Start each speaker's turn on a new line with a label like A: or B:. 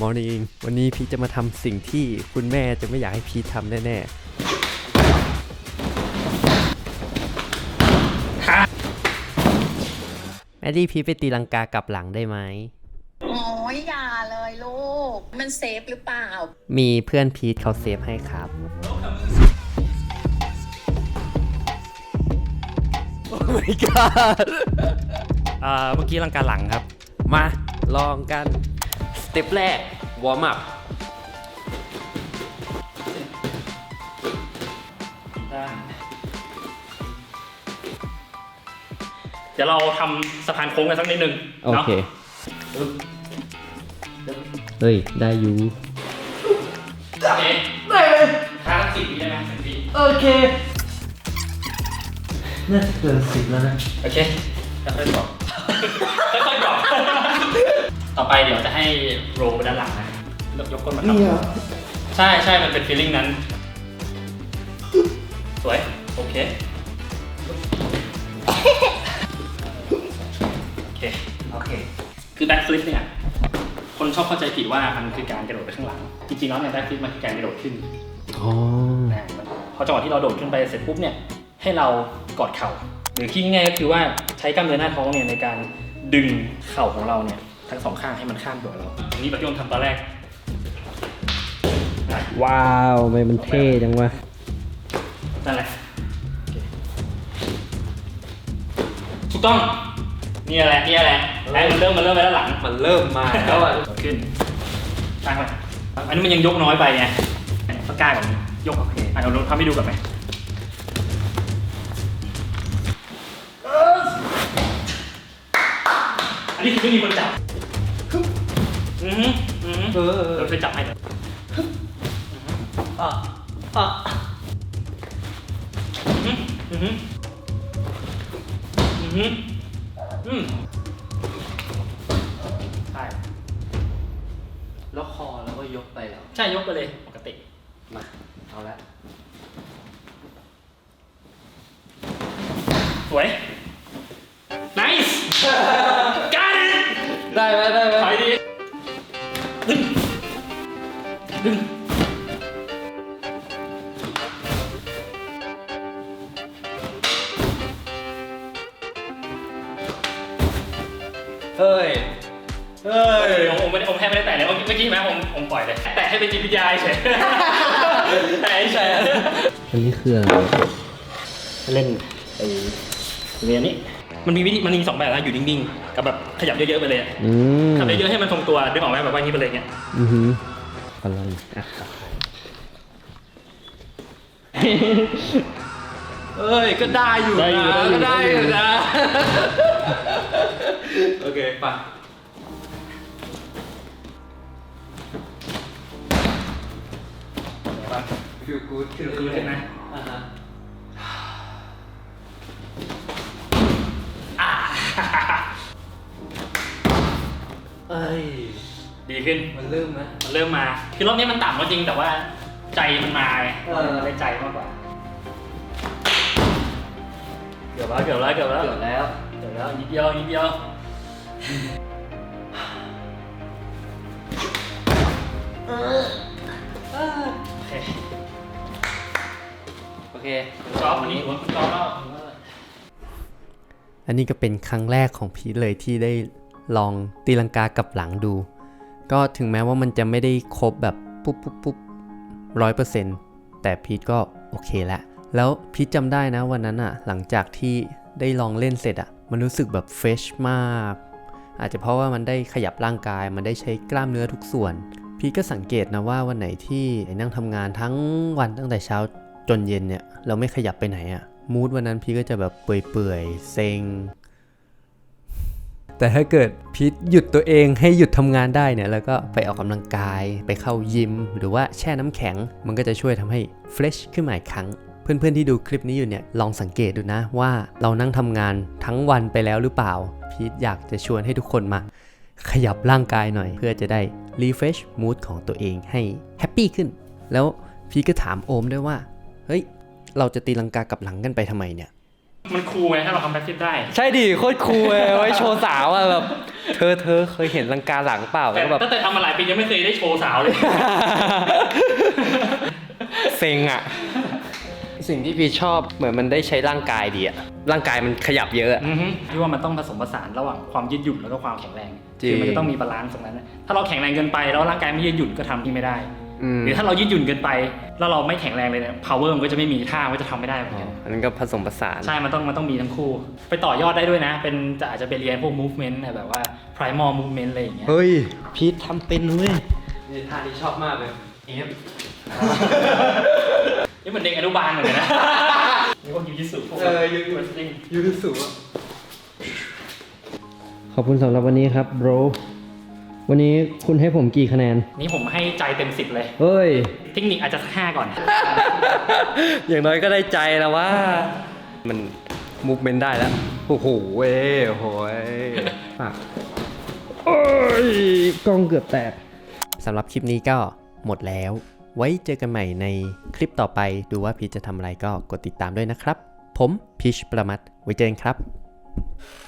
A: มอร์นิ่งวันนี้พีทจะมาทำสิ่งที่คุณแม่จะไม่อยากให้พีททำแน่ๆแม่ดี้พีทไปตีลังกากลับหลังได้ไหม
B: โอ้ยอย่าเลยลูกมันเซฟหรือเปล่า
A: มีเพื่อนพีทเขาเซฟให้ครับโอ้ my god
C: เมื่อกี้ลังกาหลังครับ
A: มาลองกันสเต็ปแรกวอร์มอัพ
C: เดี๋ยวเราทำสะพานโค้งกันสักนิดนึง
A: โอเคเฮ้ยได้อยู่
C: โอเคได้เลยค่า10 วิได้ไหม10 วิ
A: โอเคน่าจะเกิน10แล้วนะ
C: โอเคค่อยๆบอกค่อยๆบอกต่อไปเดี๋ยวจะให้โรลไปด้านหลังนะยกก้นมาครับใช่มันเป็นฟีลลิ่งนั้นสวยโอเคโอเคคือแบ็คฟลิปเนี่ยคนชอบเข้าใจผิดว่ามันคือการกระโดดไปข้างหลังจริงๆแล้วเนี่ยแบ็คฟลิปมันคือการกระโดดขึ้นพอจังหวะที่เราโดดขึ้นไปเสร็จปุ๊บเนี่ยให้เรากอดเข่าหรือคิดง่ายๆก็คือว่าใช้กล้ามเนื้อหน้าท้องเนี่ยในการดึงเข่าของเราเนี่ยทั้งสองข้างให้มันข้ามตัวเราอันนี้แบบที่ผมทำตอนแรก
A: ว้าวทำไมมันเท่จังวะ
C: นั่นแหละถูกต้องนี่แหละแล้วมันเริ่มไปด้านหลัง
A: มันเริ่มมาแล้วอ่ะ
C: ขึ้นตั้งไปอันนี้มันยังยกน้อยไปไงต้องกล้าก่อนยกโอเคเราทำให้ดูก่อนไหมอันนี้คือไม่มีคนจับเราเคยจับให้เลยใช่
A: แล้วคอแล้วก็ยกไปแล้ว
C: ใช่ยกไปเลยปกติ
A: มาเอาละ
C: สวย nice got it
A: ได้ไหม
C: ถอยดีดึง
A: เฮ้ย
C: ผมแทบไม่ได้แตะเลยเมื่อกี้ไหมผมปล่อยเลยแตะให้เป็นจิตวิทยาเฉยแตะเฉย
A: อันนี้คืออะไร
C: เล่นไอ้เรียนนี้มันมี2แบบนะอยู่นิ่งๆกับแบบขยับเยอะๆไปเลยขยับเยอะๆให้มันทรงตัวดึงออกไหมแบบว่านี้ไปเลยเงี้ย
A: อะไรเอ้ยก็ได้อยู่นะโอเคป่ะ
C: ฟิลกู๊ดเห็นไหม
A: เอ้ย
C: ดีขึ้น
A: มันเริ่ม
C: มาคือรอบนี้มันต่ำก็จริงแต่ว่าใจมันมาได้ใจมากกว่าเกือบแล้วนิดเดียว
A: โอเค
C: จอบวันนี้ผมจอบแล้ว
A: อันนี้ก็เป็นครั้งแรกของพีทเลยที่ได้ลองตีลังกากับหลังดูก็ถึงแม้ว่ามันจะไม่ได้ครบแบบปุ๊บ100%แต่พีทก็โอเคแล้วพีทจำได้นะวันนั้นอะหลังจากที่ได้ลองเล่นเสร็จอะมันรู้สึกแบบเฟรชมากอาจจะเพราะว่ามันได้ขยับร่างกายมันได้ใช้กล้ามเนื้อทุกส่วนพีทก็สังเกตนะว่าวันไหนที่นั่งทำงานทั้งวันตั้งแต่เช้าจนเย็นเนี่ยเราไม่ขยับไปไหนอะมูดวันนั้นพีทก็จะแบบเปื่อยเซ็งแต่ถ้าเกิดพีทหยุดตัวเองให้หยุดทำงานได้เนี่ยแล้วก็ไปออกกำลังกายไปเข้ายิมหรือว่าแช่น้ำแข็งมันก็จะช่วยทำให้เฟรชขึ้นมาอีกครั้งเพื่อนๆที่ดูคลิปนี้อยู่เนี่ยลองสังเกตดูนะว่าเรานั่งทำงานทั้งวันไปแล้วหรือเปล่าพีทอยากจะชวนให้ทุกคนมาขยับร่างกายหน่อยเพื่อจะได้รีเฟรชมูดของตัวเองให้แฮปปี้ขึ้นแล้วพีทก็ถามโอมด้วยว่าเฮ้ยเราจะตีลังกากับหลังกันไปทำไมเนี่ย
C: มันคูลไงถ้าเราทำแบ็คฟลิปได้
A: ใช่ดิโคตรคูลเลยไว้โชว์สาวอะแบบเธอเคยเห็นลังกาหลังเปล่า
C: แต่
A: แล้วแบบ
C: ตั้งแต่ทำมาหลายปียังไม่เคยได้โชว์สาวเลย
A: เซ็งอะสิ่งที่พี่ชอบเหมือนมันได้ใช้ร่างกายดีอะร่างกายมันขยับเยอะอะ
C: พี่ว่ามันต้องผสมผสานระหว่างความยืดหยุ่นแล้วก็ความแข็งแรง
A: จริง
C: คือมันจะต้องมีบาลานซ์ตรงนั้นนะถ้าเราแข็งแรงเกินไปแล้วร่างกายไม่ยืดหยุ่นก็ทำที่ไม่ได้ หรือถ้าเรายืดหยุ่นเกินไปแล้วเราไม่แข็งแรงเลยเนี่ย power มันก็จะไม่มีท่ามันก็จะทำไม่ได้เหมือนกัน
A: อันนั้นก็ผสมผสาน
C: ใช่มันต้องมีทั้งคู่ ไปต่อยอดได้ด้วยนะเป็นอาจจะไปเรียนพวก movement แบบว่า primal movement อะไรอย่างเงี้ย
A: เฮ้ยพีททำเป็นเว้ยนี่ท่าที่ชอบมากเลย
C: นี่เหมือนเด็กอนุบาลเหมือนกันนะ นี่พวกยูจิสึพวก
A: ยูทูสุขอบคุณสำหรับวันนี้ครับ bro วันนี้คุณให้ผมกี่คะแนน
C: นี่ผมให้ใจเต็ม10เลย
A: เฮ้ย
C: เทคนิคอาจจะสัก5ก่อน
A: อย่างน้อยก็ได้ใจแล้วว่า มันมูฟเมนต์ได้แล้ว โอ้โหเว้ยโอ้โหอ่ะโอ้ยกล้องเกือบแตกสำหรับคลิปนี้ก็หมดแล้ว ไว้เจอกันใหม่ในคลิปต่อไปดูว่าพีชจะทำอะไรก็กดติดตามด้วยนะครับ ผมพีชประมัดไว้เจอกันครับ